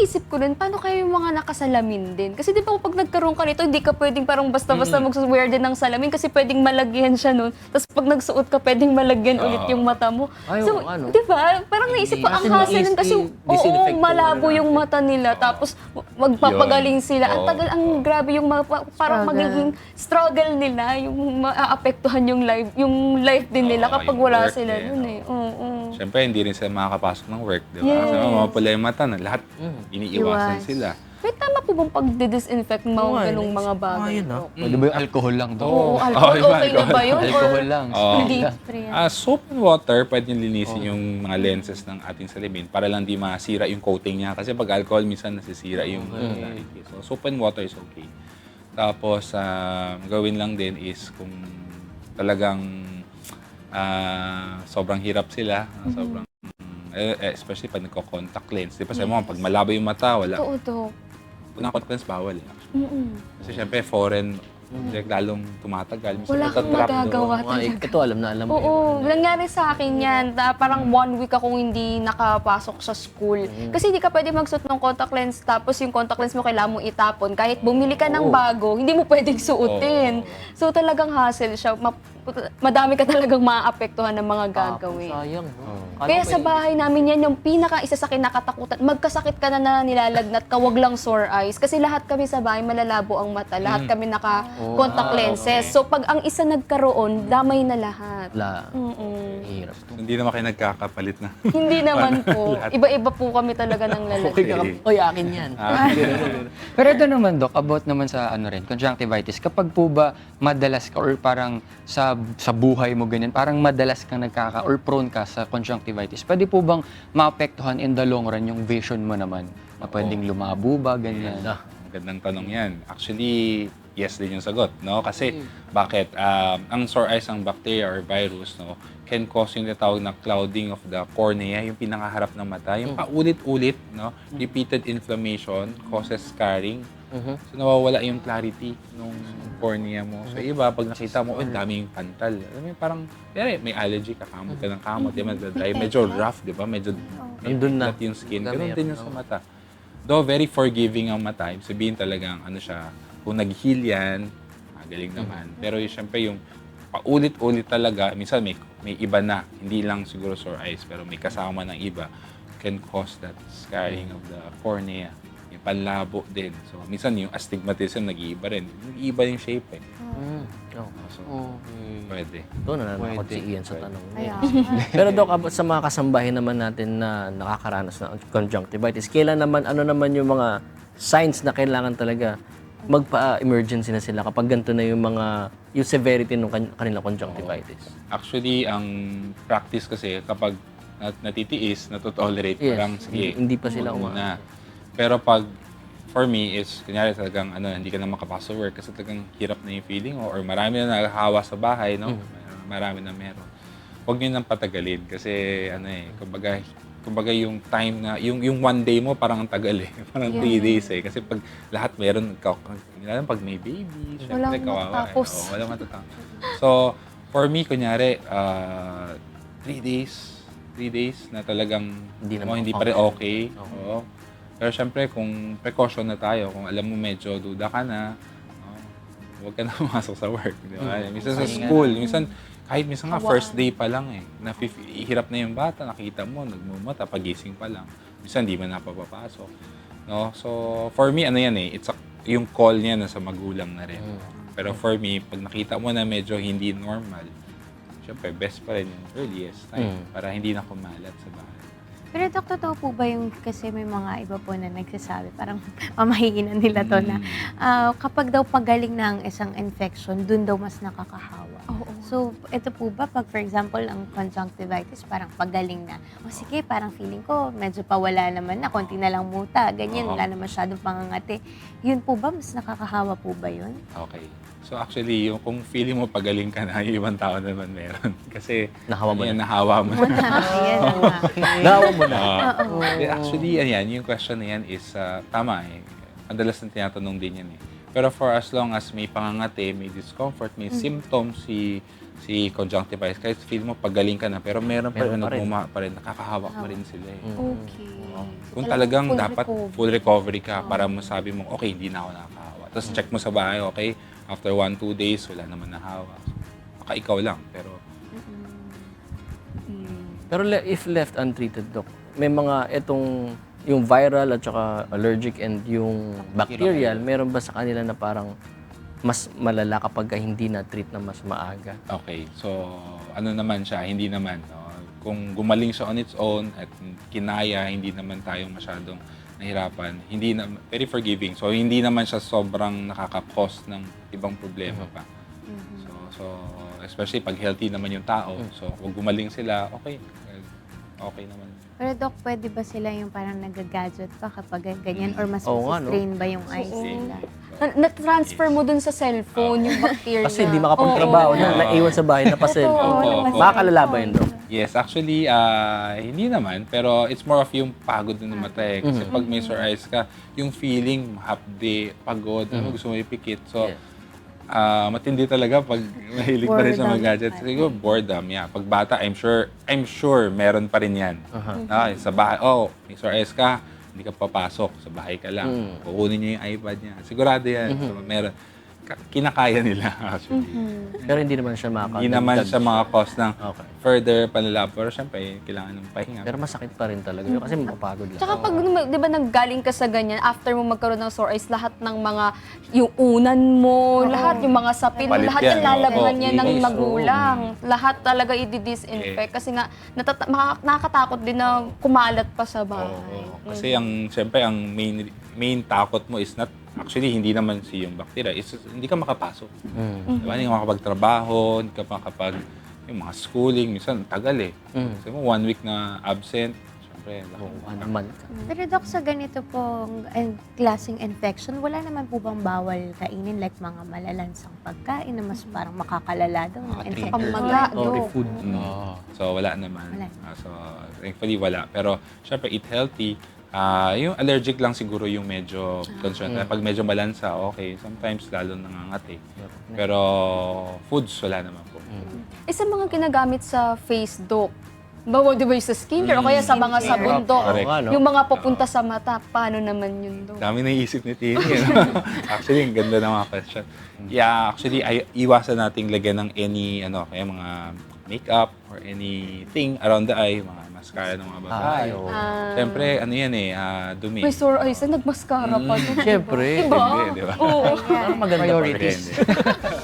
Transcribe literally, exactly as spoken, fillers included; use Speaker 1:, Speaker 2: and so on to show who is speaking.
Speaker 1: iniisip ko rin, paano kayo yung mga nakasalamin din? Kasi di ba pag nagkaroon ka nito, hindi ka pwedeng parang basta-basta
Speaker 2: Mm.
Speaker 1: mag-wear din ng salamin kasi pwedeng malagyan siya nun. Tapos pag nagsuot ka, pwedeng malagyan
Speaker 2: Oo.
Speaker 1: ulit yung mata mo.
Speaker 3: Ay,
Speaker 1: So,
Speaker 3: oo, ano?
Speaker 1: di ba? Parang naisip ko, ang
Speaker 3: Kasi
Speaker 1: hassle nun
Speaker 3: i-
Speaker 1: kasi,
Speaker 3: i-
Speaker 1: oo,
Speaker 3: disinfect po
Speaker 1: malabo
Speaker 3: muna
Speaker 1: yung
Speaker 3: natin.
Speaker 1: mata nila. Tapos magpapagaling sila. Ang
Speaker 2: Oo.
Speaker 1: tagal, ang grabe yung ma- pa- parang
Speaker 4: Struggle.
Speaker 1: magiging struggle nila, yung maaapektuhan yung life, yung life din nila
Speaker 2: Oo,
Speaker 1: kapag
Speaker 2: yung
Speaker 1: wala
Speaker 2: work
Speaker 1: sila
Speaker 2: din,
Speaker 1: dun
Speaker 2: oo.
Speaker 1: eh. Oo.
Speaker 2: Siyempre, hindi rin sila makakapasok ng work, di ba?
Speaker 1: Yes.
Speaker 2: Kasi mapapula yung mata na lahat iniiwasan
Speaker 4: Iwas.
Speaker 2: sila.
Speaker 1: May tama po bang pag-disinfect ng mga
Speaker 3: Oo nga,
Speaker 1: ganong
Speaker 3: naisip
Speaker 1: mga
Speaker 3: ko nga
Speaker 1: bagay?
Speaker 3: yun, ah.
Speaker 1: po?
Speaker 5: Pwede ba yung alcohol lang doon?
Speaker 1: Oo,
Speaker 2: Oo,
Speaker 1: alcohol,
Speaker 2: iba,
Speaker 1: okay na ba yun?
Speaker 5: Alcohol
Speaker 1: Or
Speaker 5: lang.
Speaker 2: Oo.
Speaker 1: hindi?
Speaker 2: Ah, soap and water, pwede nyo linisin yung mga lenses ng ating salamin para lang di masira yung coating niya. Kasi pag alcohol, minsan nasisira yung clarity. So, soap and water is okay. Tapos, ah, gawin lang din is kung talagang ah, sobrang hirap sila, ah, sobrang, eh, eh, especially pag nagko-contact lens. Di ba sabi mo, pag malabo yung mata, wala.
Speaker 1: Totoo to.
Speaker 2: Kung naka-contact lens, bawal. Eh.
Speaker 1: Mm-mm.
Speaker 2: Kasi syempre, foreign, direct lalong tumatagal. Minsan
Speaker 1: Wala kang
Speaker 2: natatrap doon.
Speaker 1: magagawa
Speaker 3: Oo nga, eh,
Speaker 1: talaga.
Speaker 3: ito alam na alam ko.
Speaker 1: Oo, nangyari sa akin yan. Na parang one week akong hindi nakapasok sa school. Kasi hindi ka pwede magsuot ng contact lens tapos yung contact lens mo kailangan mo itapon. Kahit bumili ka ng
Speaker 3: Oo.
Speaker 1: bago, hindi mo pwedeng suotin. So talagang hassle siya. Ma- madami ka talagang maapektuhan ng mga gagawin.
Speaker 3: Sayang, no?
Speaker 1: Kaya sa bahay namin yan, yung pinaka isa sa kinakatakutan, magkasakit ka na na nilalagnat ka, wag lang sore eyes. Kasi lahat kami sa bahay, malalabo ang mata. Lahat kami naka-contact lenses. So pag ang isa nagkaroon, damay na lahat.
Speaker 3: La,
Speaker 1: Mm-mm.
Speaker 3: hirap.
Speaker 2: Hindi naman kayo nagkakapalit na.
Speaker 1: Hindi naman po. Iba-iba po kami talaga ng
Speaker 3: Okay
Speaker 1: lalaki.
Speaker 3: ka, oy, akin yan.
Speaker 5: Pero ito naman, Doc, about naman sa ano rin, conjunctivitis. Kapag po ba madalas ka or parang sa sa buhay mo ganyan, parang madalas kang nagkaka or prone ka sa conjunctivitis, pwede po bang maapektuhan in the long run yung vision mo naman? Na pwedeng lumabo ba, ganyan?
Speaker 3: Ah,
Speaker 2: Magandang tanong yan. Actually, yes din yung sagot, no? Kasi, bakit? Um, ang sore eyes, ang bacteria or virus, no, can cause yung tinatawag na clouding of the cornea, yung pinakaharap ng mata. Yung paulit-ulit, no? Repeated inflammation causes scarring. So, nawawala yung clarity nung cornea mo. So, iba, pag nakita mo, oh, daming pantal. Alam mo, yung parang, yari, may allergy, kakamot ka ng kamot, di ba, dry, medyo rough, di ba? Medyo,
Speaker 3: Nandun na.
Speaker 2: flat yung skin.
Speaker 3: Dami
Speaker 2: Ganun
Speaker 3: yan,
Speaker 2: din yung
Speaker 3: no?
Speaker 2: sa mata. Though very forgiving ang mata, ibig sabihin talagang ano siya, kung nag-heal yan, magaling naman. Pero yung, syempre yung paulit-ulit talaga, minsan may, may iba na, hindi lang siguro sore eyes, pero may kasama ng iba, can cause that scarring of the cornea. Yung panlabo din. So, minsan yung astigmatism nag-iiba rin. Nag-iiba yung shape eh.
Speaker 3: Mm. Oh.
Speaker 2: So,
Speaker 3: Okay.
Speaker 2: pwede.
Speaker 3: Doon na naman
Speaker 5: Pwede.
Speaker 3: si Ian sa tanong.
Speaker 4: Kaya,
Speaker 3: Pero Doc, about sa mga kasambahin naman natin na nakakaranas ng conjunctivitis, kailan naman, ano naman yung mga signs na kailangan talaga magpa-emergency na sila kapag ganito na yung mga, yung severity ng kan- kanilang conjunctivitis?
Speaker 2: Actually, ang practice kasi kapag nat- natitiis, natotolerate,
Speaker 3: Yes.
Speaker 2: parang sige,
Speaker 3: Hindi pa sila
Speaker 2: huwag
Speaker 3: uma-
Speaker 2: muna. Pero pag, for me, is, kunyari talagang, ano, hindi ka na makapasok sa work kasi talagang hirap na yung feeling mo or marami na naghahawa sa bahay, no? Marami na meron. Huwag nyo nang patagalin kasi, ano eh, kumbaga, kumbaga yung time na, yung, yung one day mo parang ang tagal eh. Parang three days eh. Kasi pag lahat meron, ka- lalo pag may baby, syempre
Speaker 1: Walang
Speaker 2: kawawa. Eh.
Speaker 1: matatapos.
Speaker 2: Oo, walang matatapos. So, for me, kunyari, uh, three days, three days na talagang
Speaker 3: Hindi na
Speaker 2: oh, hindi pa rin
Speaker 3: makafunction.
Speaker 2: okay. Oo. Pero syempre, kung precaution na tayo, kung alam mo medyo duda ka na, oh, huwag ka na pumasok sa work. Di ba? Minsan sa school, minsan, kahit minsan nga, first day pa lang eh, na hirap na yung bata, nakita mo, nagmumata, pagising pa lang. Minsan, di man napapapasok. No? So, for me, ano yan eh, it's a, yung call niya na sa magulang na rin. Pero for me, pag nakita mo na medyo hindi normal, syempre, best pa rin yung earliest time para hindi na kumalat sa bahay.
Speaker 4: pero Dok, totoo po ba yung, kasi may mga iba po na nagsasabi, parang mamahiinan nila to na, ah, kapag daw pagaling ng isang infection, dun daw mas nakakahawa.
Speaker 1: Oo.
Speaker 4: So, ito po ba, pag for example, ang conjunctivitis, parang pagaling na, o sige, parang feeling ko, medyo pawala naman na, konti na lang muta, ganyan,
Speaker 2: Oo.
Speaker 4: wala na masyadong pangangati. Yun po ba, mas nakakahawa po ba yun?
Speaker 2: Okay. So actually, yung kung feeling mo pagaling ka na, yung ibang tao naman meron. Kasi
Speaker 3: Nahawa mo
Speaker 2: ano yan,
Speaker 3: na.
Speaker 2: nahawa mo na.
Speaker 4: Ayan na nga.
Speaker 3: Nawa mo na.
Speaker 2: Ah,
Speaker 4: Oo.
Speaker 2: eh, actually, ayan, yung question na yan is ah, tama eh. Madalas na tinatanong din yan eh. Pero for as long as may pangangati, may discomfort, may symptoms si si conjunctivitis, kahit feel mo pagaling ka na, pero meron pa rin,
Speaker 3: Meron pa rin.
Speaker 2: nagmuma pa rin, nakakahawak pa rin sila eh.
Speaker 1: Okay.
Speaker 2: Oo.
Speaker 1: So,
Speaker 2: Kung
Speaker 1: talagang
Speaker 2: talagang
Speaker 1: full
Speaker 2: dapat
Speaker 1: recovery.
Speaker 2: full recovery ka para masabi mo, okay, hindi na ako nakakahawa. Tapos check mo sa bahay, okay, after one, two days, wala naman nahawa. Baka ikaw lang, pero
Speaker 3: Pero le- if left untreated, Doc, may mga itong yung viral at saka allergic and yung bacterial, meron ba sa kanila na parang mas malala kapag ka hindi na-treat na mas maaga?
Speaker 2: okay. So, ano naman siya, hindi naman. No? Kung gumaling siya on its own at kinaya, hindi naman tayo masyadong nahirapan. Hindi na, very forgiving. So, hindi naman siya sobrang nakaka-cause ng ibang problema pa. So, so, especially pag healthy naman yung tao. So, kung gumaling sila, okay. Okay naman.
Speaker 4: Pero Doc, pwede ba sila yung parang nag-gadget pa kapag ganyan? Or mas
Speaker 3: Oo nga, no?
Speaker 4: strain ba yung eyes
Speaker 1: Oo.
Speaker 4: nila?
Speaker 1: Na- Na-transfer mo dun sa cellphone yung bacteria.
Speaker 3: Kasi hindi makapagtrabaho
Speaker 1: Oo.
Speaker 3: na naiwan sa bahay na pa-cellphone.
Speaker 2: Oo, oo.
Speaker 3: Makakalala ba yun, Doc?
Speaker 2: Yes, actually, ah, hindi naman. Pero it's more of yung pagod ng mata eh. Kasi pag may sore eyes ka, yung feeling, hapde, pagod, ano, gusto mo ipikit. So,
Speaker 3: Yeah.
Speaker 2: ah, matindi talaga pag mahilig pa rin sa mga
Speaker 4: Boredom.
Speaker 2: gadgets. Siguro, boredom, yeah. Pag bata, I'm sure, I'm sure meron pa rin yan. Ah, sa bahay, oh, may sore eyes ka, hindi ka papasok, sa bahay ka lang.
Speaker 3: Mm.
Speaker 2: Kukunin niya yung iPad niya. Sigurado yan. So, meron. Ka- Kinakaya nila, actually.
Speaker 3: Pero hindi naman siya makakadagdag.
Speaker 2: Hindi naman siya mga cause ng
Speaker 3: Okay.
Speaker 2: further panlalab. Pero syempre, kailangan ng pahinga.
Speaker 3: Pero masakit pa rin talaga yun kasi mapapagod lang.
Speaker 1: Tsaka pag, di ba, nanggaling ka sa ganyan, after mo magkaroon ng sore eyes, lahat ng mga, yung unan mo, lahat, yung mga sapin,
Speaker 2: Palit
Speaker 1: lahat
Speaker 2: yan,
Speaker 1: yung lalabhan
Speaker 2: oo.
Speaker 1: niya ng
Speaker 2: Linis,
Speaker 1: magulang. Lahat talaga i-disinfect. Kasi nga, natata- makaka- nakakatakot din na kumalat pa sa bahay.
Speaker 2: Oo. Kasi ang, syempre, ang main main takot mo is not, actually, hindi naman si yung bacteria, is hindi ka makapasok.
Speaker 3: Mm.
Speaker 2: Diba? Hindi ka makapagtrabaho, hindi ka makapag, yung mga schooling, minsan tagal eh.
Speaker 3: Mm.
Speaker 2: Kasi mo, one week na absent, syempre, laki.
Speaker 3: Oo, one month ka.
Speaker 4: Pero Doc, sa ganito pong eh, klaseng infection, wala naman po bang bawal kainin like mga malalansang pagkain na mas parang makakalala daw ng infection?
Speaker 1: Pamaga,
Speaker 3: Or
Speaker 1: Dok.
Speaker 3: food.
Speaker 2: Mm. So, wala naman.
Speaker 4: Wala.
Speaker 2: Ah, so, thankfully, wala. Pero, syempre, eat healthy. Ah, yung allergic lang siguro yung medyo concern. Pag medyo balansa, okay. Sometimes, lalo nangangati. Pero, foods, wala naman po.
Speaker 1: Eh, sa mga ginagamit sa face, Dok, bawa di ba yung sa skincare o kaya sa mga sabon, Dok,
Speaker 2: Correct.
Speaker 3: Oo nga, no?
Speaker 1: yung mga papunta sa mata, paano naman yun, Dok?
Speaker 2: Dami naisip ni Tini. no? Actually, ang ganda ng mga question. Yeah, actually, ay, iwasan nating lagyan ng any, ano, kaya mga makeup or anything around the eye, mga mascara ng mga babae.
Speaker 3: Ay, oo.
Speaker 2: Siyempre, ano yan eh, ah, dumi.
Speaker 1: May sore eyes, eh, nagmaskara pa, Dok.
Speaker 3: Siyempre.
Speaker 1: Diba?
Speaker 2: Hindi, di ba?
Speaker 1: Oo.
Speaker 3: Parang maganda pa rin.
Speaker 5: Priorities.
Speaker 2: Hindi.